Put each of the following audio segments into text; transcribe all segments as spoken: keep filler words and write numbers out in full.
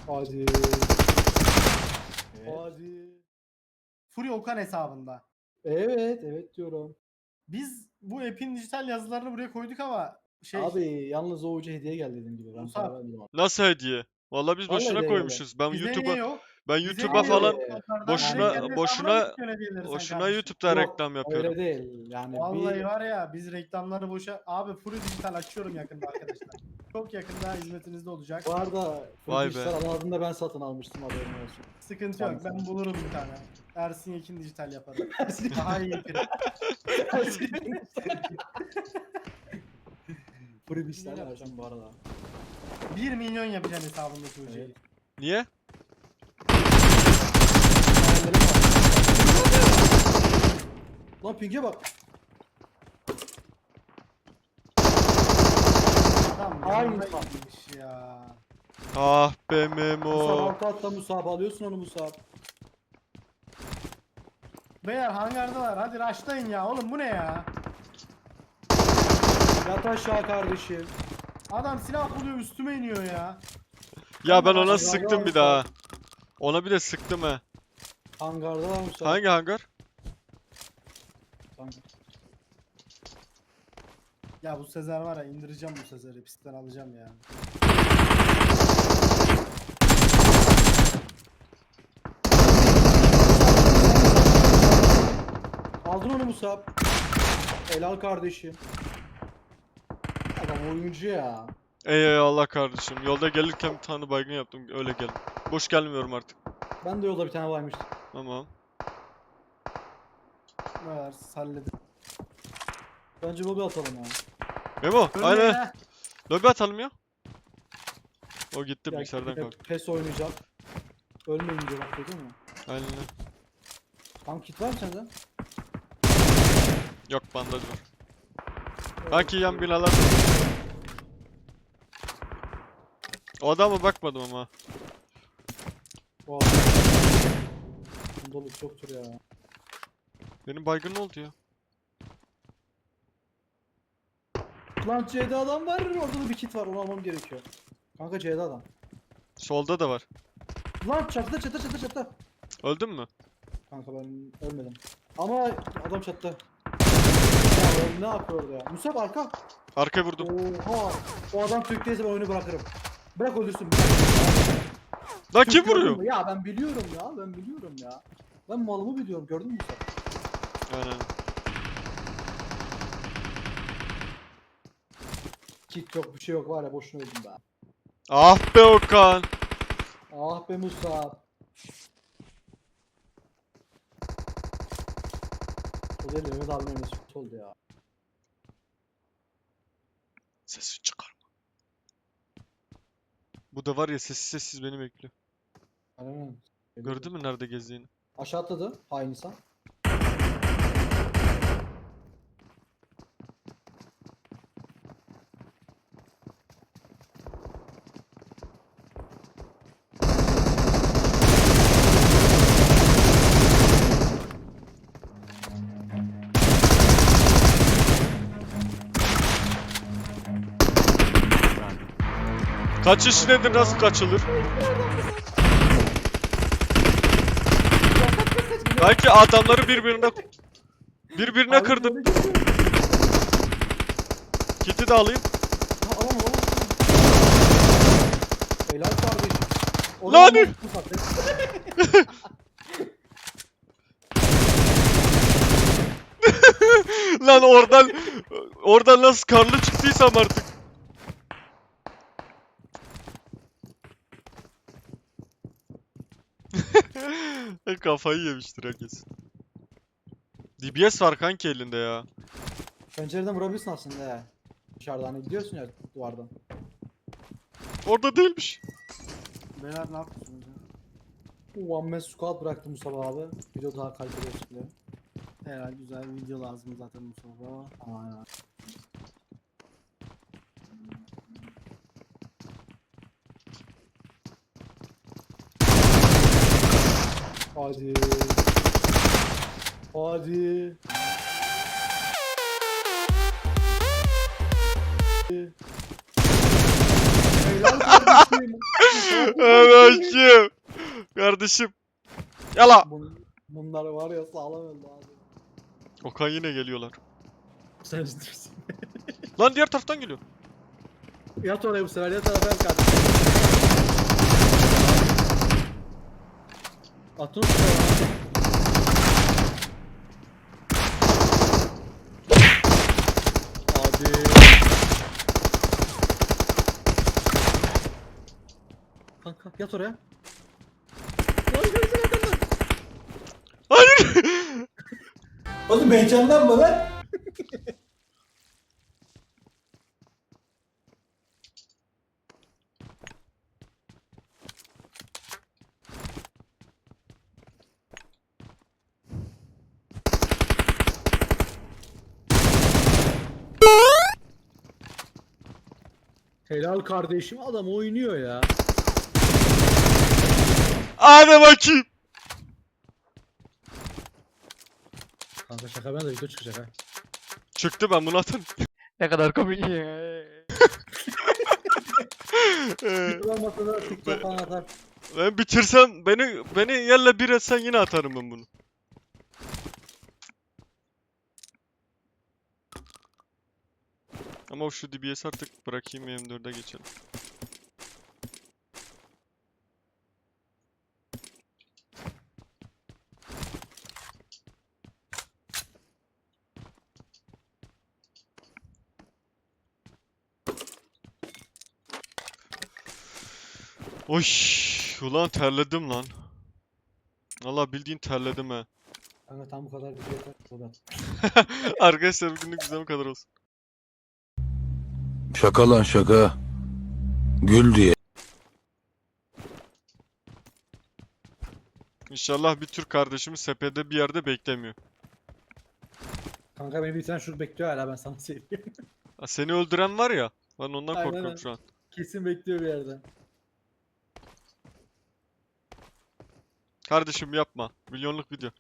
Hadi. Evet. Hadi. Fury Okan hesabında. Evet, evet diyorum. Biz bu app'in dijital yazılarını buraya koyduk ama şey Abi yalnız o ucu hediye geldi dediğim gibi. Ben Musab. para vermedim abi. Nasıl hediye? Vallahi biz Vallahi boşuna hediye koymuşuz. Ben bize niye YouTube'a yok? ben Bize YouTube'a niye falan yok hesaplardan? boşuna Direkt kendi hesabına boşuna mı yüklüyorsun hediyeleri sen boşuna kardeşim? YouTube'da Yok, reklam yapıyorum. öyle değil. Yani Vallahi bir var ya biz reklamları boşa... Abi Fury Dijital açıyorum yakında arkadaşlar. Çok yakında hizmetinizde olacak. bu arada Vay Full be. Dijital alanında ben satın almıştım, haberin olsun. Sıkıntı yok. Ben bulurum bir tane. Ersin Yekin Dijital yaparım. Daha iyi yaparım. Full Dijital yapacağım bu arada. bir milyon yapacağım hesabındaki hocayı. Evet. Niye? Hayallerim var. Lan ping'e bak. Tamam. Aynı yanına insan. gitmiş ya. Ah be Musab Memo. altı hatta Musab alıyorsun onu Musab. Beyler hangardalar. Hadi rushlayın ya. Oğlum bu ne ya? Yat aşağı kardeşim. Adam silah buluyor üstüme iniyor ya. Ya ben ona Hangarda sıktım bir Musab. daha. Ona bir de sıktım he. Hangarda var Musab. Hangi hangar? Hangar. Ya bu Sezer var ya indireceğim bu Sezer'i. Pistten alacağım ya. Aldın onu Musab. Helal kardeşim. Adam oyuncu ya. Eyvallah kardeşim. Yolda gelirken bir tane baygın yaptım. Öyle geldim. Boş gelmiyorum artık. Ben de yolda bir tane varmıştım. Tamam. Ne var halledin. Bence lobi atalım ya. Memo, Ölmeyin aynen. ha. Lobi atalım ya. O gitti Ya, bilgisayardan yine kalktı. PES oynayacak. Ölmeyin diyor bak, değil mi? Aynen. Tam kit var mı sende? Yok bandaj var. Evet. Belki yan binalar. O adama bakmadım ama. Bu adam- Dolu çoktur ya. Benim baygın ne oldu ya? Lan C'de adam var, orada da bir kit var, onu almam gerekiyor. Kanka C'de adam. Solda da var. Lan çatıda çatıda çatıda çatıda. Öldün mü? Kanka ben ölmedim. Ama adam çatıda. Ya oğlum ne yapıyor orada ya? Musab arka. Arkaya vurdum. Oha. O adam Türk'teyse ben oyunu bırakırım. Bırak öldürsün. Lan Türk kim gördün vuruyor? mü? Ya ben biliyorum ya, ben biliyorum ya. Ben malımı biliyorum, gördün mü Musab? Aynen. Kit yok, bir şey yok, var ya, boşuna öldüm ben. Ah be Okan. Ah be Musab. O değil de Mehmet abinin önüne süt oldu ya. Sesi çıkarma. Bu da var ya sessiz sessiz beni bekliyor. Aynen. Gördün mü nerede gezdiğini? Aşağı atladı hain insan. Kaçış nedir, nasıl kaçılır? Belki adamları birbirine birbirine Hain kırdım. böyle geliyor. Kiti de alayım. Ha, alamam alamam. Helal kardeşim. Onu Lan! almam, Musab. Lan oradan oradan nasıl karlı çıktıysam artık. Kafayı yemiştir herkes. D B S var kanki elinde ya. Pencereden vurabilirsin aslında ya. Dışarıdan hani gidiyorsun ya duvardan. Orada değilmiş. Beyler ne yapıyorsunuz ya? One man squad bıraktı Musab abi. Video daha kaliteli olsun diye. Herhalde güzel bir video lazım zaten bu sabah. Aynen. Hadi. Hadi. Helal kardeşim. Evet kim? Kardeşim. Yala. Bun, bunlar var ya sağlam öldü abi. Okan yine geliyorlar. Sen üzülürsün. Lan diğer taraftan geliyor. Yat oraya bu sefer, yat oraya ben kaç. Atın üstüne. Abi. Kanka yat oraya. Hayır. Oğlum heyecanlanma lan. Helal kardeşim, adam oynuyor ya. Hadi bakayım. Kanka şaka, ben de video çıkacak ha. Çıktı, ben bunu atın. Ne kadar komik. Olmasa da TikTok falan atar. Ben bitirsem beni beni yerle bir etsen yine atarım ben bunu. Ama şu D B S artık bırakayım, M dörde geçelim. Oy, ulan terledim lan. Valla bildiğin terledim he. Kanka tam bu kadar video yeter. Sohbet. Arkadaşlar bugünlük bize bu kadar olsun. Şaka lan şaka. Gül diye. İnşallah bir Türk kardeşimiz sepede bir yerde beklemiyor. Kanka beni bir tane şurada bekliyor hala, ben sana söyleyeyim. Ha, seni öldüren var ya. Ben ondan Aynen korkuyorum öyle. şu an. Kesin bekliyor bir yerde. Kardeşim yapma. Milyonluk video.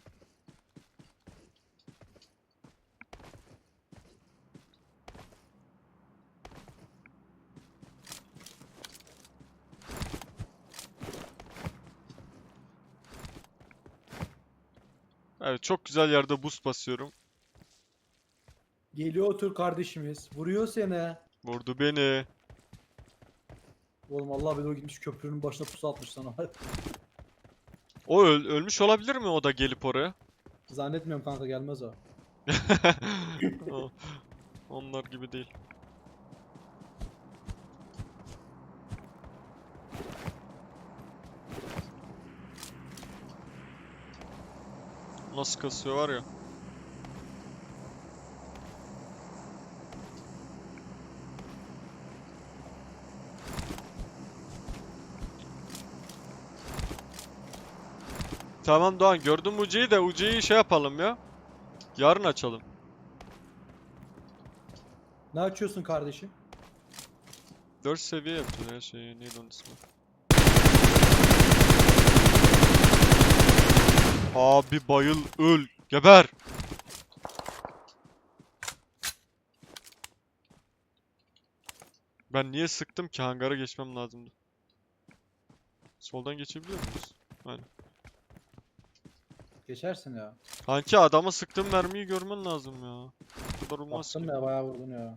Evet, çok güzel yerde boost basıyorum. Geliyor o Türk kardeşimiz. Vuruyor seni. Vurdu beni. Oğlum Allah bilir, o gitmiş köprünün başına pusu atmış sana. O öl- ölmüş olabilir mi o da gelip oraya? Zannetmiyorum kanka, gelmez o. O- Onlar gibi değil. Nasıl kasıyor var ya. Tamam Doğan, gördüm Uci'yi de Uci'yi şey yapalım ya. Yarın açalım. Ne açıyorsun kardeşim? dört seviye yapacağız her şeyi. Neydi onun ismi? Abi bayıl, öl, geber. Ben niye sıktım ki? Hangara geçmem lazımdı. Soldan geçebiliyor muyuz? Aynen. Geçersin ya. Kanki adama sıktığım mermiyi görmen lazım ya. Bu kadar olmaz ki. Baktım ya, bayağı vurdun ya.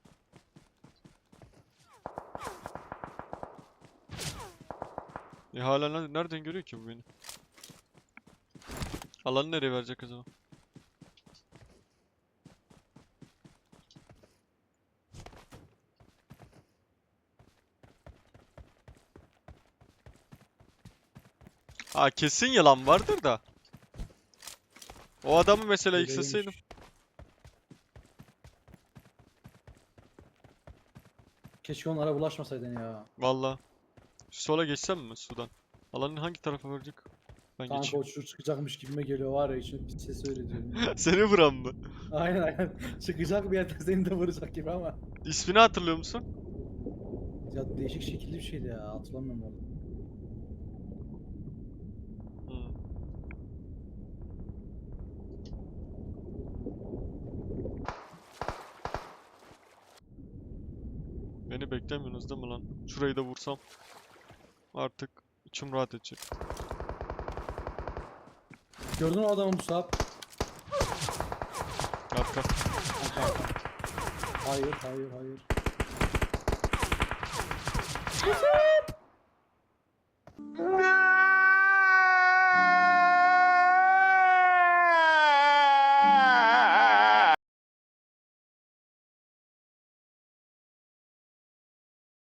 E hala ne- nereden görüyor ki bu beni? Alanı nereye verecek acaba? Ha, kesin yalan vardır da. O adamı mesela Öyleymiş. yıksasaydım. Keşke onlara bulaşmasaydın ya. Valla. Şu sola geçsem mi sudan? Alanın hangi tarafa verecek? Ben Kanka geçeyim. o çocuk çıkacakmış gibime geliyor var ya, için bir ses öyle diyorum. Seni vuran mı? Aynen aynen. Çıkacak bir yerden seni de vuracak gibi ama. İsmini hatırlıyor musun? Ya değişik şekilli bir şeydi ya, hatırlamıyorum onu. Hmm. Beni beklemiyorsunuz değil mi lan? Şurayı da vursam. Artık içim rahat edecek. Gördün mü adamı Musab? Arka. Arka, arka. Hayır hayır hayır.